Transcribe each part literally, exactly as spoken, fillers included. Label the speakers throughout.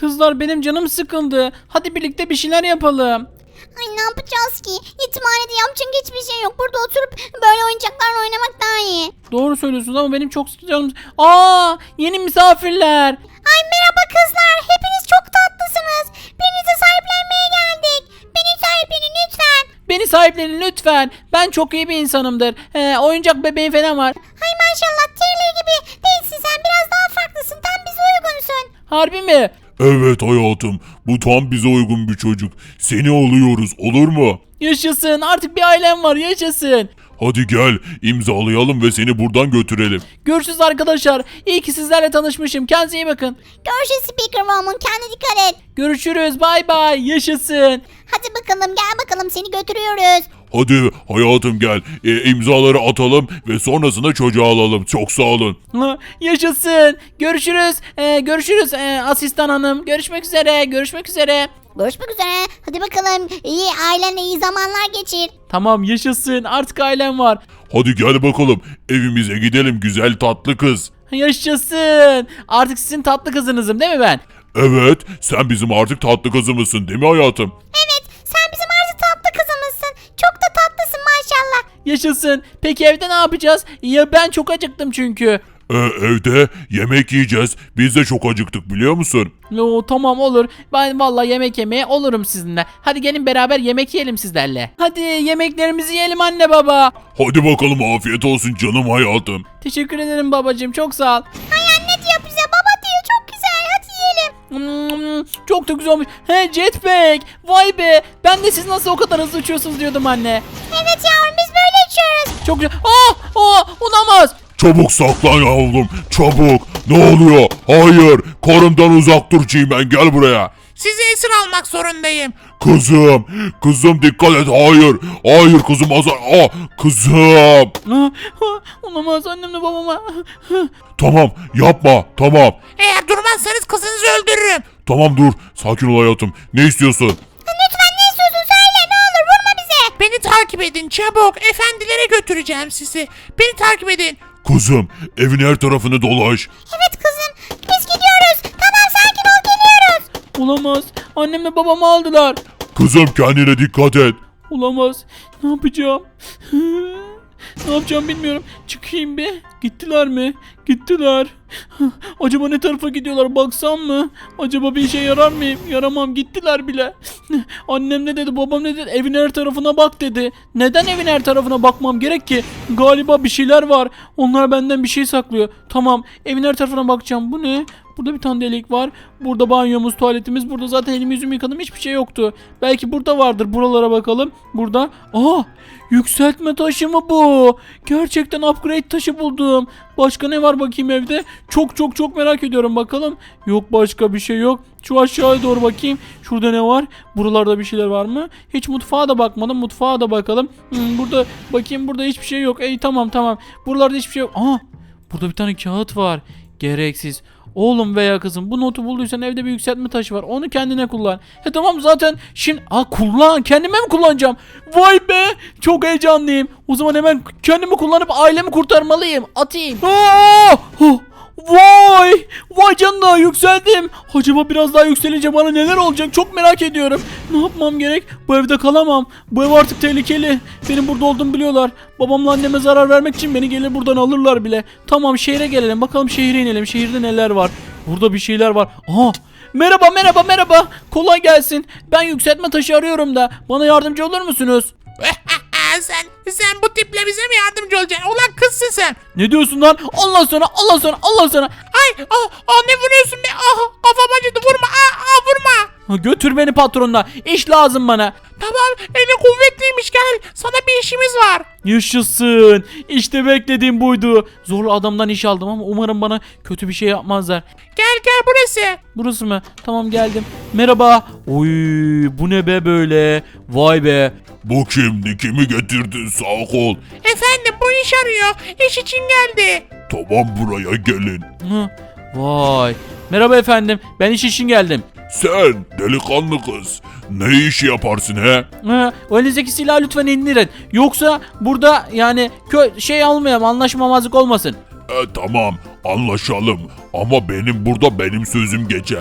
Speaker 1: Kızlar benim canım sıkıldı. Hadi birlikte bir şeyler yapalım.
Speaker 2: Ay ne yapacağız ki? Yetimhanede yapacak hiçbir şey yok. Burada oturup böyle oyuncaklarla oynamak daha iyi.
Speaker 1: Doğru söylüyorsunuz ama benim çok canım... Aa, yeni misafirler.
Speaker 2: Ay merhaba kızlar. Hepiniz çok tatlısınız. Birinizi sahiplenmeye geldik. Beni sahiplenin lütfen.
Speaker 1: Beni sahiplenin lütfen. Ben çok iyi bir insanımdır. Ee, oyuncak bebeğim falan var.
Speaker 2: Ay maşallah Taylor gibi değilsin sen. Biraz daha farklısın. Tam bize uygunsun.
Speaker 1: Harbi mi?
Speaker 3: Evet hayatım, bu tam bize uygun bir çocuk. Seni alıyoruz, olur mu?
Speaker 1: Yaşasın, artık bir ailem var, yaşasın.
Speaker 3: Hadi gel, imzalayalım ve seni buradan götürelim.
Speaker 1: Görüşürüz arkadaşlar. İyi ki sizlerle tanışmışım. Kendinize iyi bakın.
Speaker 2: Görüşürüz Speaker Woman. Kendine dikkat et.
Speaker 1: Görüşürüz. Bay bay. Yaşasın.
Speaker 2: Hadi bakalım gel bakalım seni götürüyoruz.
Speaker 3: Hadi hayatım gel, e, imzaları atalım ve sonrasında çocuğu alalım. Çok sağ olun.
Speaker 1: Ha, yaşasın. Görüşürüz. Ee, görüşürüz ee, asistan hanım. Görüşmek üzere. Görüşmek üzere.
Speaker 2: Görüşmek üzere. Hadi bakalım iyi ailenle iyi zamanlar geçir.
Speaker 1: Tamam, yaşasın. Artık ailem var.
Speaker 3: Hadi gel bakalım, evimize gidelim güzel tatlı kız.
Speaker 1: Yaşasın. Artık sizin tatlı kızınızım değil mi ben?
Speaker 3: Evet, sen bizim artık tatlı kızımızsın değil mi hayatım?
Speaker 2: Evet sen bizim artık tatlı kızımızsın. Çok da tatlısın maşallah.
Speaker 1: Yaşasın. Peki evde ne yapacağız? Ya ben çok acıktım çünkü.
Speaker 3: Ee, evde yemek yiyeceğiz. Biz de çok acıktık biliyor musun?
Speaker 1: Oo, tamam olur. Ben vallahi yemek yemeye olurum sizinle. Hadi gelin beraber yemek yiyelim sizlerle. Hadi yemeklerimizi yiyelim anne baba.
Speaker 3: Hadi bakalım, afiyet olsun canım hayatım.
Speaker 1: Teşekkür ederim babacığım, çok sağ ol.
Speaker 2: Ay anne diyor bize baba diyor çok güzel hadi yiyelim.
Speaker 1: Hmm, çok da güzel olmuş. He, jetpack. Vay be. Ben de siz nasıl o kadar hızlı uçuyorsunuz diyordum anne.
Speaker 2: Evet yavrum biz böyle uçuyoruz.
Speaker 1: Çok güzel. Aa, aa, olamaz.
Speaker 3: Çabuk saklan yavrum, çabuk. Ne oluyor? Hayır, karımdan uzak dur Cimen, gel buraya.
Speaker 4: Sizi esir almak zorundayım.
Speaker 3: Kızım, kızım dikkat et, hayır. Hayır kızım, azar. Ah, kızım.
Speaker 1: Aa, aa, olamaz, annemle babama.
Speaker 3: Tamam, yapma, tamam.
Speaker 4: Eğer durmazsanız kızınızı öldürürüm.
Speaker 3: Tamam dur, sakin ol hayatım. Ne istiyorsun?
Speaker 2: Lütfen ne istiyorsun söyle ne olur vurma bize.
Speaker 4: Beni takip edin çabuk. Efendilere götüreceğim sizi. Beni takip edin.
Speaker 3: Kızım, evin her tarafını dolaş.
Speaker 2: Evet kızım biz gidiyoruz. Tamam sakin ol geliyoruz.
Speaker 1: Olamaz. Annemle babamı aldılar.
Speaker 3: Kızım kendine dikkat et.
Speaker 1: Olamaz. Ne yapacağım? Ne yapacağım bilmiyorum. Çıkayım bir. Gittiler mi? Gittiler. Acaba ne tarafa gidiyorlar? Baksam mı? Acaba bir işe yarar mıyım? Yaramam. Gittiler bile. Annem ne dedi? Babam ne dedi? Evin her tarafına bak dedi. Neden evin her tarafına bakmam gerek ki? Galiba bir şeyler var. Onlar benden bir şey saklıyor. Tamam. Evin her tarafına bakacağım. Bu ne? Burada bir tane delik var. Burada banyomuz, tuvaletimiz. Burada zaten elimi yüzümü yıkadım. Hiçbir şey yoktu. Belki burada vardır. Buralara bakalım. Burada. Aa! Yükseltme taşı mı bu? Gerçekten upgrade taşı buldum. Başka ne var bakayım evde? Çok çok çok merak ediyorum bakalım. Yok başka bir şey yok. Şu aşağıya doğru bakayım. Şurada ne var? Buralarda bir şeyler var mı? Hiç mutfağa da bakmadım. Mutfağa da bakalım. Hmm, burada bakayım, burada hiçbir şey yok. Ey tamam tamam. Buralarda hiçbir şey yok. Aa! Burada bir tane kağıt var. Gereksiz. Oğlum veya kızım bu notu bulduysan evde bir yükseltme taşı var. Onu kendine kullan. He tamam zaten şimdi aa kullan. Kendime mi kullanacağım? Vay be! Çok heyecanlıyım. O zaman hemen kendimi kullanıp ailemi kurtarmalıyım. Atayım. Aa! Oh! Vay! Vay canına yükseldim. Acaba biraz daha yükselince bana neler olacak çok merak ediyorum. Ne yapmam gerek? Bu evde kalamam. Bu ev artık tehlikeli. Benim burada olduğumu biliyorlar. Babamla anneme zarar vermek için beni gelir buradan alırlar bile. Tamam şehre gelelim. Bakalım şehre inelim. Şehirde neler var? Burada bir şeyler var. Aha! Merhaba merhaba merhaba. Kolay gelsin. Ben yükseltme taşı arıyorum da. Bana yardımcı olur musunuz?
Speaker 4: sen sen bu tiple bize mi yardımcı olacaksın? Ulan kızsın sen.
Speaker 1: Ne diyorsun lan? Allah sana, Allah sana, Allah sana.
Speaker 4: Ay ah, ah ne vuruyorsun be? Ah kafam acıdı vurma. Ah, ah vurma.
Speaker 1: Ha, götür beni patronla. İş lazım bana.
Speaker 4: Tamam eli kuvvetliymiş gel. Sana bir işimiz var.
Speaker 1: Yaşasın. İşte beklediğim buydu. Zorlu adamdan iş aldım ama umarım bana kötü bir şey yapmazlar.
Speaker 4: Gel gel burası.
Speaker 1: Burası mı? Tamam geldim. Merhaba. Oy bu ne be böyle? Vay be.
Speaker 3: Bu kimdi, kimi getirdin, sağ ol.
Speaker 4: Efendim bu iş arıyor. İş için geldi.
Speaker 3: Tamam, buraya gelin.
Speaker 1: Hı. Vay. Merhaba efendim. Ben iş için geldim.
Speaker 3: Sen delikanlı kız, ne iş yaparsın he?
Speaker 1: Hı. O elinizdeki silahı lütfen indirin. Yoksa burada yani kö şey almayalım, anlaşmamazlık olmasın.
Speaker 3: E, tamam, anlaşalım ama benim burada benim sözüm geçer.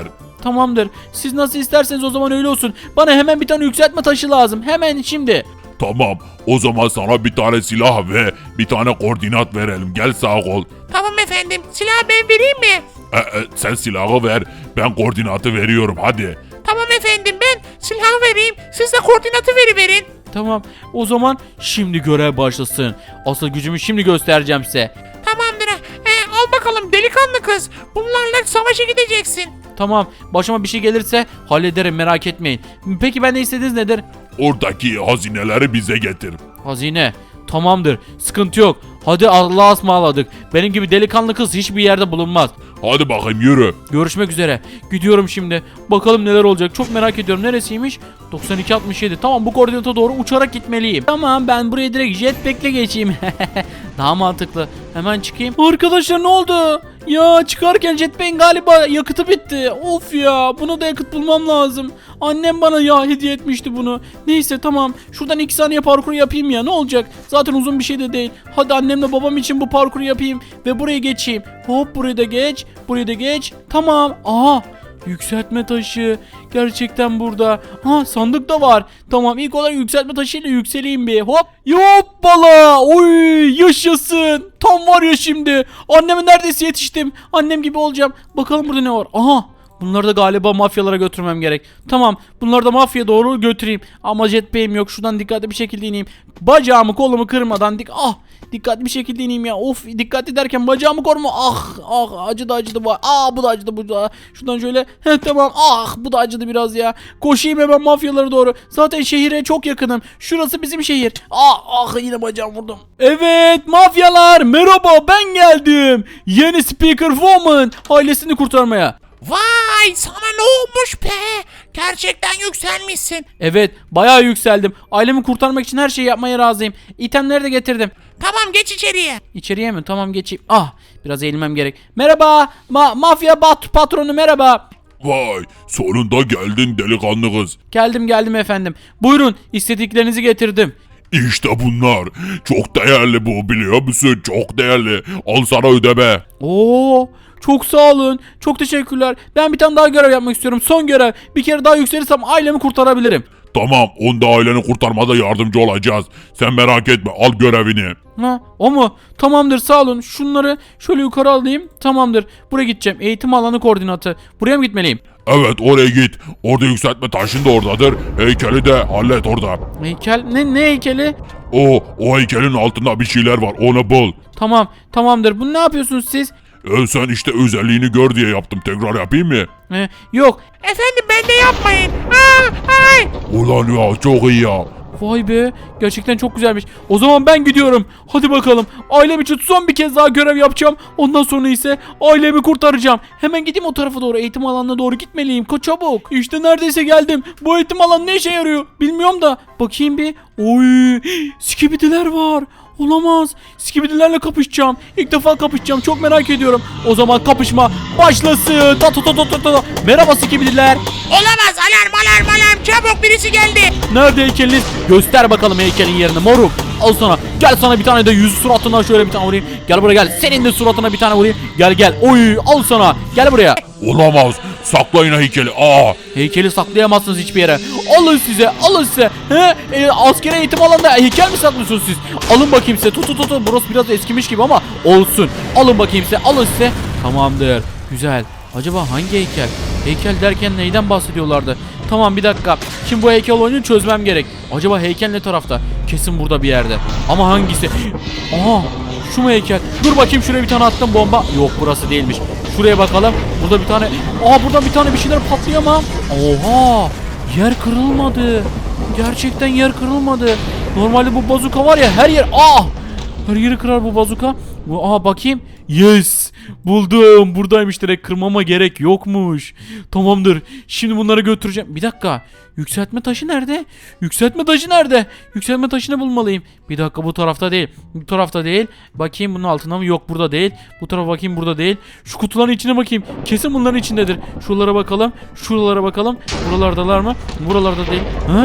Speaker 1: Tamamdır. Siz nasıl isterseniz o zaman öyle olsun. Bana hemen bir tane yükseltme taşı lazım. Hemen şimdi.
Speaker 3: Tamam o zaman sana bir tane silah ve bir tane koordinat verelim. Gel sağ ol.
Speaker 4: Tamam efendim. Silahı ben vereyim mi?
Speaker 3: E, e, sen silahı ver ben koordinatı veriyorum hadi.
Speaker 4: Tamam efendim ben silahı vereyim. Siz de koordinatı veriverin.
Speaker 1: Tamam. O zaman şimdi görev başlasın. Asıl gücümü şimdi göstereceğim size.
Speaker 4: Tamamdır. Ee, al bakalım delikanlı kız. Bunlarla savaşa gideceksin.
Speaker 1: Tamam. Başıma bir şey gelirse hallederim, merak etmeyin. Peki ben ne istediğiniz nedir?
Speaker 3: Oradaki hazineleri bize getir.
Speaker 1: Hazine. Tamamdır. Sıkıntı yok. Hadi Allah'a ısmarladık. Benim gibi delikanlı kız hiçbir yerde bulunmaz.
Speaker 3: Hadi bakayım yürü.
Speaker 1: Görüşmek üzere. Gidiyorum şimdi. Bakalım neler olacak. Çok merak ediyorum. Neresiymiş? doksan iki altmış yedi. Tamam, bu koordinata doğru uçarak gitmeliyim. Tamam, ben buraya direkt jetpack'le geçeyim. Daha mantıklı. Hemen çıkayım. Arkadaşlar ne oldu? Ya çıkarken jetpack'in galiba yakıtı bitti. Of ya, buna da yakıt bulmam lazım. Annem bana ya hediye etmişti bunu. Neyse tamam. Şuradan iki saniye parkur yapayım ya. Ne olacak? Zaten uzun bir şey de değil. Hadi annemle babam için bu parkuru yapayım ve buraya geçeyim. Hop, burayı da geç. Burayı da geç. Tamam. Aha. Yükseltme taşı. Gerçekten burada. Ha, sandık da var. Tamam, ilk olarak yükseltme taşıyla yükseleyim bir. Hop. Yoppala. Oy, yaşasın. Tam var ya şimdi. Anneme neredeyse yetiştim. Annem gibi olacağım. Bakalım burada ne var. Aha. Bunları da galiba mafyalara götürmem gerek. Tamam, bunları da mafya doğru götüreyim. Ama jetpack'im yok. Şuradan dikkatli bir şekilde ineyim. Bacağımı kolumu kırmadan dik ah dikkatli bir şekilde ineyim ya. Of, dikkatli derken bacağımı koruma. Ah ah, acıdı acıdı bu. Ah, bu da acıdı bu da. Şuradan şöyle. Heh, tamam. Ah, bu da acıdı biraz ya. Koşayım hemen mafyalara doğru. Zaten şehire çok yakınım. Şurası bizim şehir. Ah ah, yine bacağım vurdum. Evet mafyalar, merhaba, ben geldim. Yeni Speaker Woman ailesini kurtarmaya.
Speaker 4: Vay, sana ne olmuş be? Gerçekten yükselmişsin.
Speaker 1: Evet, bayağı yükseldim. Ailemi kurtarmak için her şeyi yapmaya razıyım. İtemleri de getirdim.
Speaker 4: Tamam, geç içeriye.
Speaker 1: İçeriye mi? Tamam, geçeyim. Ah, biraz eğilmem gerek. Merhaba, ma mafya bat patronu, merhaba.
Speaker 3: Vay sonunda geldin delikanlı kız.
Speaker 1: Geldim geldim efendim. Buyurun, istediklerinizi getirdim.
Speaker 3: İşte bunlar. Çok değerli bu, biliyor musun? Çok değerli. Al sana ödeme.
Speaker 1: Oo, çok sağ olun. Çok teşekkürler. Ben bir tane daha görev yapmak istiyorum. Son görev. Bir kere daha yükselirsem ailemi kurtarabilirim.
Speaker 3: Tamam, onda aileni kurtarmada yardımcı olacağız. Sen merak etme, al görevini.
Speaker 1: Ha, o mu? Tamamdır, sağ olun. Şunları şöyle yukarı alayım. Tamamdır. Buraya gideceğim. Eğitim alanı koordinatı. Buraya mı gitmeliyim?
Speaker 3: Evet, oraya git. Orada yükseltme taşın da oradadır. Heykeli de hallet orada.
Speaker 1: Heykel? Ne, ne heykeli?
Speaker 3: O, o heykelin altında bir şeyler var, onu bul.
Speaker 1: Tamam, tamamdır. Bunu ne yapıyorsunuz siz?
Speaker 3: E, sen işte özelliğini gör diye yaptım. Tekrar yapayım mı?
Speaker 1: Ee, yok.
Speaker 4: Efendim, ben de yapmayın. Aa, ay.
Speaker 3: Ulan ya, çok iyi ya.
Speaker 1: Vay be, gerçekten çok güzelmiş. O zaman ben gidiyorum. Hadi bakalım. Ailem için son bir kez daha görev yapacağım. Ondan sonra ise ailemi kurtaracağım. Hemen gideyim o tarafa doğru. Eğitim alanına doğru gitmeliyim. Ko çabuk. İşte neredeyse geldim. Bu eğitim alanı ne işe yarıyor bilmiyorum da. Bakayım bir. Oy, skibidiler var. Olamaz. Skibidilerle kapışacağım. İlk defa kapışacağım. Çok merak ediyorum. O zaman kapışma başlasın. Ta ta ta ta ta ta. Merhaba skibidiler.
Speaker 4: Olamaz, alarm alarm alarm, çabuk, birisi geldi.
Speaker 1: Nerede heykeliniz? Göster bakalım heykelin yerini moruk. Al sana. Gel sana bir tane de yüz suratına şöyle bir tane vurayım. Gel buraya gel. Senin de suratına bir tane vurayım. Gel gel. Oy, al sana. Gel buraya.
Speaker 3: Olamaz. Saklayın heykeli. Aa.
Speaker 1: Heykeli saklayamazsınız hiçbir yere. Alın size. Alın size. He? E, askeri eğitim alanında heykel mi saklıyorsunuz siz? Alın bakayım size. Tut tut tut. Burası biraz eskimiş gibi ama olsun. Alın bakayım size. Alın size. Tamamdır. Güzel. Acaba hangi heykel? Heykel derken neyden bahsediyorlardı? Tamam, bir dakika. Şimdi bu heykel oyunu çözmem gerek. Acaba heykel ne tarafta? Kesin burada bir yerde. Ama hangisi? Aha, şu mu heykel? Dur bakayım, şuraya bir tane attım bomba. Yok, burası değilmiş. Şuraya bakalım. Burada bir tane. Aa, burada bir tane bir şeyler patlıyor ama. Oha! Yer kırılmadı. Gerçekten yer kırılmadı. Normalde bu bazuka var ya, her yer. Ah! Her yeri kırar bu bazuka. Bu, aha bakayım. Yes! Buldum. Buradaymış, direkt kırmama gerek yokmuş. Tamamdır. Şimdi bunları götüreceğim. Bir dakika. Yükseltme taşı nerede? Yükseltme taşı nerede? Yükseltme taşını bulmalıyım. Bir dakika, bu tarafta değil. Bu tarafta değil. Bakayım bunun altında mı? Yok, burada değil. Bu tarafa bakayım, burada değil. Şu kutuların içine bakayım. Kesin bunların içindedir. Şuralara bakalım. Şuralara bakalım. Buralardalar mı? Buralarda değil. Ha?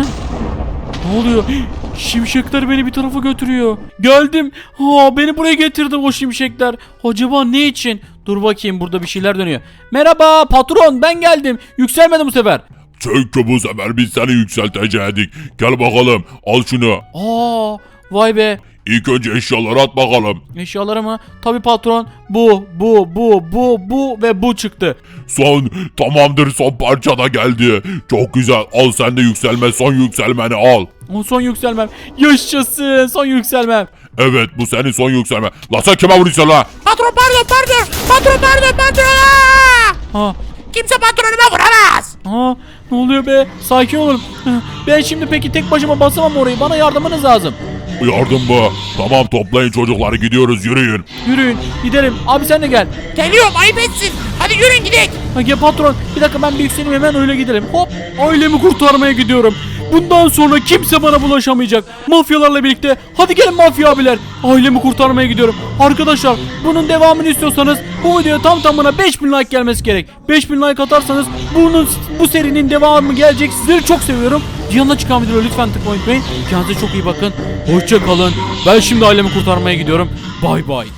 Speaker 1: Ne oluyor? Şimşekler beni bir tarafa götürüyor. Geldim. Ha, beni buraya getirdi o şimşekler. Acaba ne için? Dur bakayım, burada bir şeyler dönüyor. Merhaba patron, ben geldim. Yükselmedi bu sefer.
Speaker 3: Çünkü bu sefer biz seni yükseltecektik. Gel bakalım al şunu.
Speaker 1: Aa, vay be.
Speaker 3: İlk önce eşyaları at bakalım.
Speaker 1: Eşyaları mı? Tabii patron. Bu, bu, bu, bu, bu ve bu çıktı.
Speaker 3: Son tamamdır, son parça da geldi. Çok güzel, al sen de yükselme, son yükselmeni al.
Speaker 1: O son yükselmem. Yaşasın, son yükselmem.
Speaker 3: Evet, bu senin son yükselme. La sen kime vuruyorsun la?
Speaker 4: Patron pardon pardon. Patron pardon patron. Aa!
Speaker 1: Ha,
Speaker 4: Kimse patronuma vuramaz.
Speaker 1: ha, ne oluyor be? Sakin olun. Ben şimdi peki tek başıma basamam orayı. Bana yardımınız lazım.
Speaker 3: Yardım bu. Tamam, toplayın çocukları, gidiyoruz, yürüyün.
Speaker 1: Yürüyün, gidelim. Abi sen de gel.
Speaker 4: Geliyorum ayıp etsin. Hadi yürüyün gidelim.
Speaker 1: Ha, gel patron. Bir dakika, ben bir yükseleyim, hemen öyle gidelim. Hop, ailemi kurtarmaya gidiyorum. Bundan sonra kimse bana bulaşamayacak. Mafyalarla birlikte. Hadi gelin mafya abiler. Ailemi kurtarmaya gidiyorum. Arkadaşlar, bunun devamını istiyorsanız bu videoya tam tamına beş bin like gelmesi gerek. beş bin like atarsanız bunun bu serinin devamı gelecek. Sizleri çok seviyorum. Yanına çıkan videoları lütfen tıklamayı unutmayın. Kendinize çok iyi bakın. Hoşça kalın. Ben şimdi ailemi kurtarmaya gidiyorum. Bay bay.